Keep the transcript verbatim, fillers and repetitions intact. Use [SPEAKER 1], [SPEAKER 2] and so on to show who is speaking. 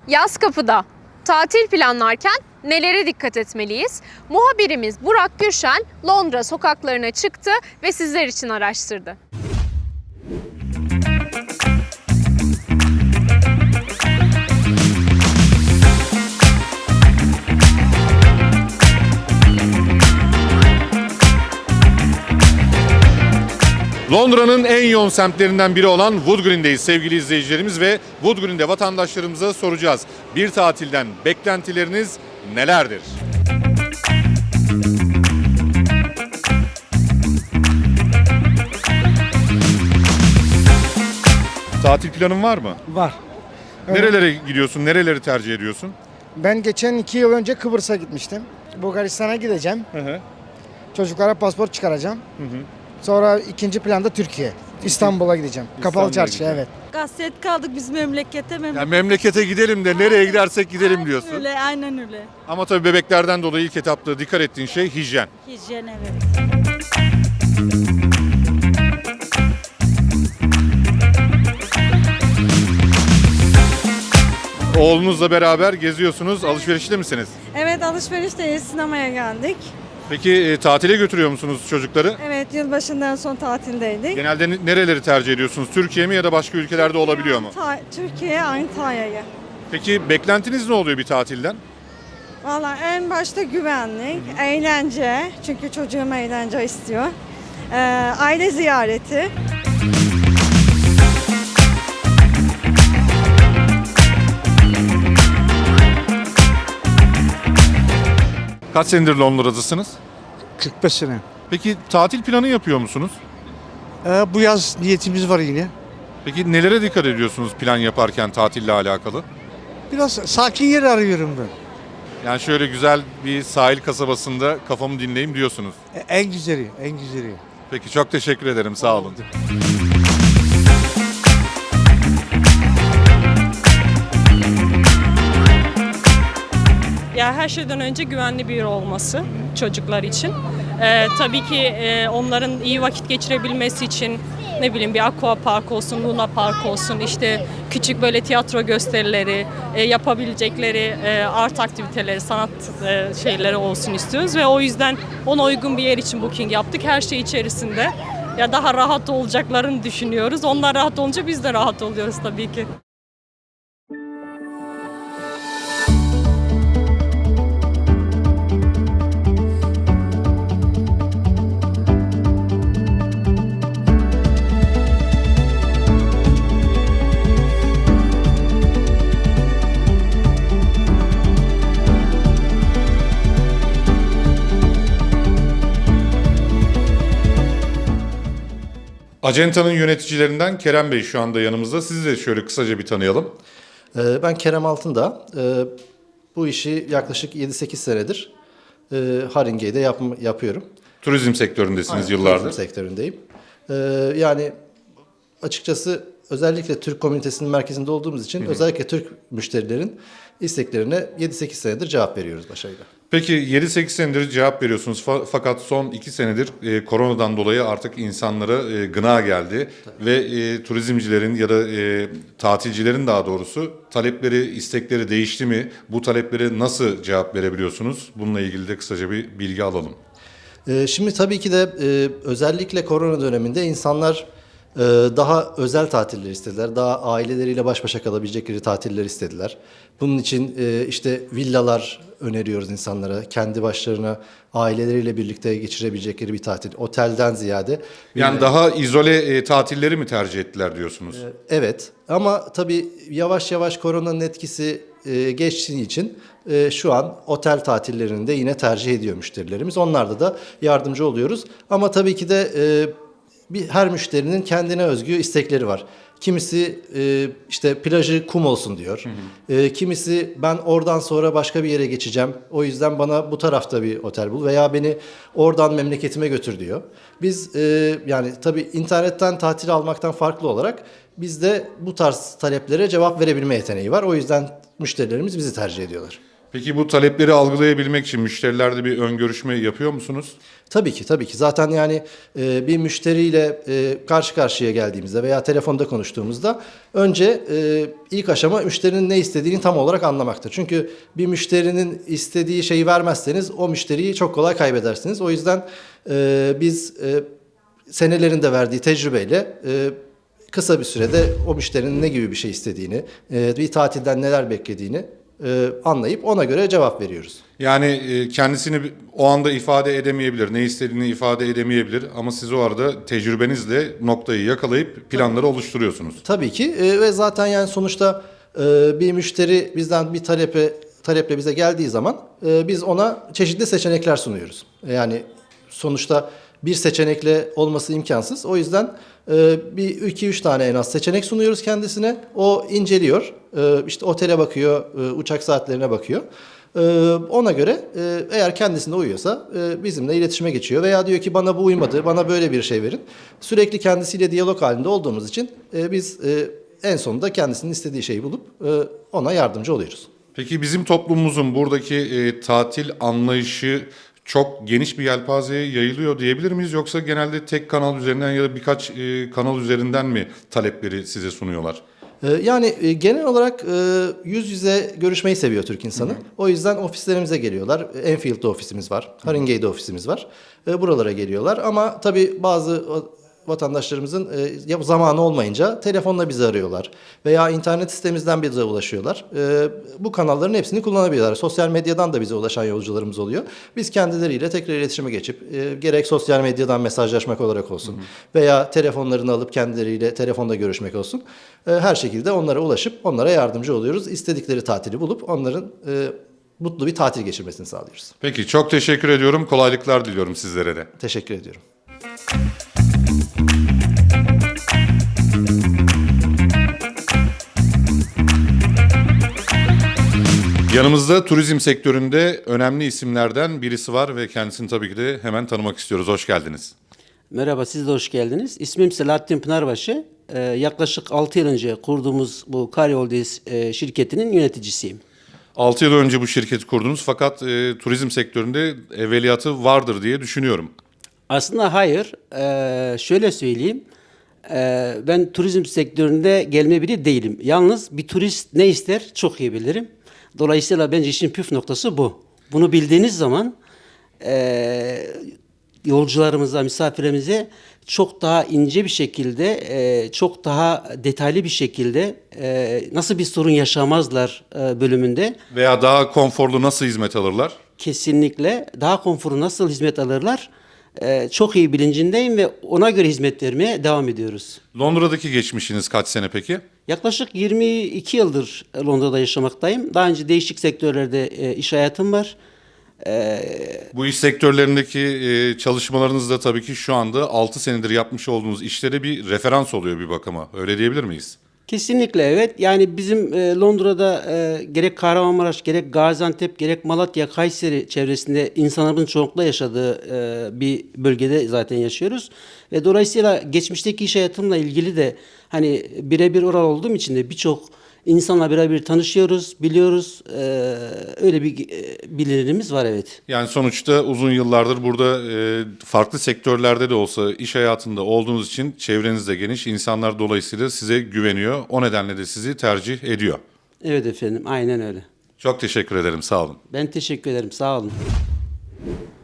[SPEAKER 1] Yaz kapıda. Tatil planlarken nelere dikkat etmeliyiz? Muhabirimiz Burak Gürşen Londra sokaklarına çıktı ve sizler için araştırdı.
[SPEAKER 2] Londra'nın en yoğun semtlerinden biri olan Wood Green'deyiz sevgili izleyicilerimiz ve Wood Green'de vatandaşlarımıza soracağız. Bir tatilden beklentileriniz nelerdir? Tatil planın var mı?
[SPEAKER 3] Var.
[SPEAKER 2] Nerelere gidiyorsun? Nereleri tercih ediyorsun?
[SPEAKER 3] Ben geçen iki yıl önce Kıbrıs'a gitmiştim. Bulgaristan'a gideceğim.
[SPEAKER 2] Hı hı.
[SPEAKER 3] Çocuklara pasport çıkaracağım.
[SPEAKER 2] Hı hı.
[SPEAKER 3] Sonra ikinci planda Türkiye. İstanbul'a gideceğim. Kapalı Çarşı,
[SPEAKER 2] gideceğim.
[SPEAKER 3] evet.
[SPEAKER 4] Hasret kaldık biz memlekete.
[SPEAKER 2] Ya
[SPEAKER 4] Memlekete.
[SPEAKER 2] memlekete gidelim de nereye gidersek gidelim
[SPEAKER 4] Aynen
[SPEAKER 2] diyorsun.
[SPEAKER 4] Öyle, aynen öyle.
[SPEAKER 2] Ama tabii bebeklerden dolayı ilk etapta dikkat ettiğin şey hijyen.
[SPEAKER 4] Hijyen, evet.
[SPEAKER 2] Oğlunuzla beraber geziyorsunuz. Alışverişte misiniz?
[SPEAKER 4] Evet, alışverişteyiz, sinemaya geldik.
[SPEAKER 2] Peki e, tatile götürüyor musunuz çocukları?
[SPEAKER 4] Evet, yılbaşından son tatildeydik.
[SPEAKER 2] Genelde ne- nereleri tercih ediyorsunuz? Türkiye mi ya da başka ülkelerde olabiliyor mu?
[SPEAKER 4] Ta- Türkiye, Antalya'ya.
[SPEAKER 2] Peki beklentiniz ne oluyor bir tatilden?
[SPEAKER 4] Valla en başta güvenlik, eğlence. Çünkü çocuğum eğlence istiyor. Ee, aile ziyareti.
[SPEAKER 2] Kaç senedir Londra'dasınız?
[SPEAKER 5] kırk beş sene.
[SPEAKER 2] Peki tatil planı yapıyor musunuz?
[SPEAKER 5] Ee, bu yaz niyetimiz var yine.
[SPEAKER 2] Peki nelere dikkat ediyorsunuz plan yaparken tatille alakalı?
[SPEAKER 5] Biraz sakin yer arıyorum ben.
[SPEAKER 2] Yani şöyle güzel bir sahil kasabasında kafamı dinleyeyim diyorsunuz.
[SPEAKER 5] E, en güzeli, en güzeli.
[SPEAKER 2] Peki çok teşekkür ederim. Sağ olun.
[SPEAKER 6] Ya her şeyden önce güvenli bir yer olması çocuklar için. Ee, tabii ki e, onların iyi vakit geçirebilmesi için ne bileyim bir aqua park olsun, luna park olsun, işte küçük böyle tiyatro gösterileri, e, yapabilecekleri e, art aktiviteleri, sanat e, şeyleri olsun istiyoruz ve o yüzden ona uygun bir yer için booking yaptık. Her şey içerisinde. Ya daha rahat olacaklarını düşünüyoruz. Onlar rahat olunca biz de rahat oluyoruz tabii ki.
[SPEAKER 2] Acenta'nın yöneticilerinden Kerem Bey şu anda yanımızda. Sizi de şöyle kısaca bir tanıyalım.
[SPEAKER 7] Ee, Ben Kerem Altındağ. Ee, Bu işi yaklaşık yedi sekiz senedir e, Haringey'de yap, yapıyorum.
[SPEAKER 2] Turizm sektöründesiniz
[SPEAKER 7] Aynen,
[SPEAKER 2] yıllardır.
[SPEAKER 7] turizm sektöründeyim. Ee, Yani açıkçası özellikle Türk komünitesinin merkezinde olduğumuz için özellikle Türk müşterilerin isteklerine yedi sekiz senedir cevap veriyoruz başarıyla.
[SPEAKER 2] Peki yedi sekiz senedir cevap veriyorsunuz Fa- fakat son iki senedir e, koronadan dolayı artık insanlara e, gına geldi. Ve e, turizmcilerin ya da e, tatilcilerin daha doğrusu talepleri, istekleri değişti mi? Bu taleplere nasıl cevap verebiliyorsunuz? Bununla ilgili de kısaca bir bilgi alalım.
[SPEAKER 7] Ee, Şimdi tabii ki de e, özellikle korona döneminde insanlar e, daha özel tatiller istediler. Daha aileleriyle baş başa kalabilecekleri tatiller istediler. Bunun için e, işte villalar öneriyoruz insanlara. Kendi başlarına aileleriyle birlikte geçirebilecekleri bir tatil. Otelden ziyade.
[SPEAKER 2] Yani
[SPEAKER 7] villa-
[SPEAKER 2] daha izole e, tatilleri mi tercih ettiler diyorsunuz?
[SPEAKER 7] Evet, ama tabii yavaş yavaş koronanın etkisi e, geçtiği için e, şu an otel tatillerini de yine tercih ediyor müşterilerimiz. Onlarda da yardımcı oluyoruz. Ama tabii ki de e, bir her müşterinin kendine özgü istekleri var. Kimisi e, işte plajı kum olsun diyor. E, kimisi ben oradan sonra başka bir yere geçeceğim. O yüzden bana bu tarafta bir otel bul veya beni oradan memleketime götür diyor. Biz e, yani tabii internetten tatil almaktan farklı olarak bizde bu tarz taleplere cevap verebilme yeteneği var. O yüzden müşterilerimiz bizi tercih ediyorlar.
[SPEAKER 2] Peki bu talepleri algılayabilmek için müşterilerde bir ön görüşme yapıyor musunuz?
[SPEAKER 7] Tabii ki, tabii ki. Zaten yani e, bir müşteriyle e, karşı karşıya geldiğimizde veya telefonda konuştuğumuzda önce e, ilk aşama müşterinin ne istediğini tam olarak anlamaktır. Çünkü bir müşterinin istediği şeyi vermezseniz o müşteriyi çok kolay kaybedersiniz. O yüzden e, biz e, senelerinde verdiği tecrübeyle e, kısa bir sürede o müşterinin ne gibi bir şey istediğini, e, bir tatilden neler beklediğini e, anlayıp ona göre cevap veriyoruz.
[SPEAKER 2] Yani e, kendisini o anda ifade edemeyebilir, ne istediğini ifade edemeyebilir ama siz o arada tecrübenizle noktayı yakalayıp planları oluşturuyorsunuz.
[SPEAKER 7] Tabii ki e, ve zaten yani sonuçta e, bir müşteri bizden bir talepe taleple bize geldiği zaman e, biz ona çeşitli seçenekler sunuyoruz. Yani sonuçta bir seçenekle olması imkansız. O yüzden e, bir iki üç tane en az seçenek sunuyoruz kendisine. O inceliyor. E, işte otele bakıyor, e, uçak saatlerine bakıyor. E, ona göre e, eğer kendisine uyuyorsa e, bizimle iletişime geçiyor. Veya diyor ki bana bu uymadı, bana böyle bir şey verin. Sürekli kendisiyle diyalog halinde olduğumuz için e, biz e, en sonunda kendisinin istediği şeyi bulup e, ona yardımcı oluyoruz.
[SPEAKER 2] Peki bizim toplumumuzun buradaki e, tatil anlayışı çok geniş bir yelpazeye yayılıyor diyebilir miyiz? Yoksa genelde tek kanal üzerinden ya da birkaç e, kanal üzerinden mi talepleri size sunuyorlar?
[SPEAKER 7] Ee, Yani e, genel olarak e, yüz yüze görüşmeyi seviyor Türk insanı. O yüzden ofislerimize geliyorlar. Enfield'de ofisimiz var. Haringey'de ofisimiz var. E, Buralara geliyorlar ama tabii bazı o- vatandaşlarımızın e, ya zamanı olmayınca telefonla bizi arıyorlar veya internet sitemizden bize ulaşıyorlar. E, Bu kanalların hepsini kullanabiliyorlar. Sosyal medyadan da bize ulaşan yolcularımız oluyor. Biz kendileriyle tekrar iletişime geçip e, gerek sosyal medyadan mesajlaşmak olarak olsun veya telefonlarını alıp kendileriyle telefonda görüşmek olsun. E, Her şekilde onlara ulaşıp onlara yardımcı oluyoruz. İstedikleri tatili bulup onların e, mutlu bir tatil geçirmesini sağlıyoruz.
[SPEAKER 2] Peki çok teşekkür ediyorum. Kolaylıklar diliyorum sizlere de.
[SPEAKER 7] Teşekkür ediyorum.
[SPEAKER 2] Yanımızda turizm sektöründe önemli isimlerden birisi var ve kendisini tabii ki de hemen tanımak istiyoruz. Hoş geldiniz.
[SPEAKER 8] Merhaba, siz de hoş geldiniz. İsmim Selahattin Pınarbaşı. Ee, yaklaşık altı yıl önce kurduğumuz bu Karayol'dayız e, şirketinin yöneticisiyim.
[SPEAKER 2] altı yıl önce bu şirketi kurdunuz fakat e, turizm sektöründe evveliyatı vardır diye düşünüyorum.
[SPEAKER 8] Aslında hayır, Ee, şöyle söyleyeyim. Ee, ben turizm sektöründe gelme biri değilim. Yalnız bir turist ne ister çok iyi bilirim. Dolayısıyla bence işin püf noktası bu. Bunu bildiğiniz zaman e, yolcularımıza, misafirlerimize çok daha ince bir şekilde, e, çok daha detaylı bir şekilde e, nasıl bir sorun yaşamazlar e, bölümünde
[SPEAKER 2] Veya daha konforlu nasıl hizmet alırlar?
[SPEAKER 8] kesinlikle daha konforu nasıl hizmet alırlar e, çok iyi bilincindeyim ve ona göre hizmet vermeye devam ediyoruz.
[SPEAKER 2] Londra'daki geçmişiniz kaç sene peki?
[SPEAKER 8] Yaklaşık yirmi iki yıldır Londra'da yaşamaktayım. Daha önce değişik sektörlerde e, iş hayatım var.
[SPEAKER 2] Bu iş sektörlerindeki e, çalışmalarınız da tabii ki şu anda altı senedir yapmış olduğunuz işlere bir referans oluyor bir bakıma. Öyle diyebilir miyiz?
[SPEAKER 8] Kesinlikle evet. Yani bizim e, Londra'da e, gerek Kahramanmaraş, gerek Gaziantep, gerek Malatya, Kayseri çevresinde insanların çoğunlukla yaşadığı e, bir bölgede zaten yaşıyoruz. Ve dolayısıyla geçmişteki iş hayatımla ilgili de hani birebir oral olduğum için de birçok insanla birebir tanışıyoruz, biliyoruz. E, öyle bir e, bilinirimiz var evet.
[SPEAKER 2] Yani sonuçta uzun yıllardır burada e, farklı sektörlerde de olsa iş hayatında olduğunuz için çevreniz de geniş. İnsanlar dolayısıyla size güveniyor. O nedenle de sizi tercih ediyor.
[SPEAKER 8] Evet efendim, aynen öyle.
[SPEAKER 2] Çok teşekkür ederim. Sağ olun.
[SPEAKER 8] Ben teşekkür ederim, sağ olun.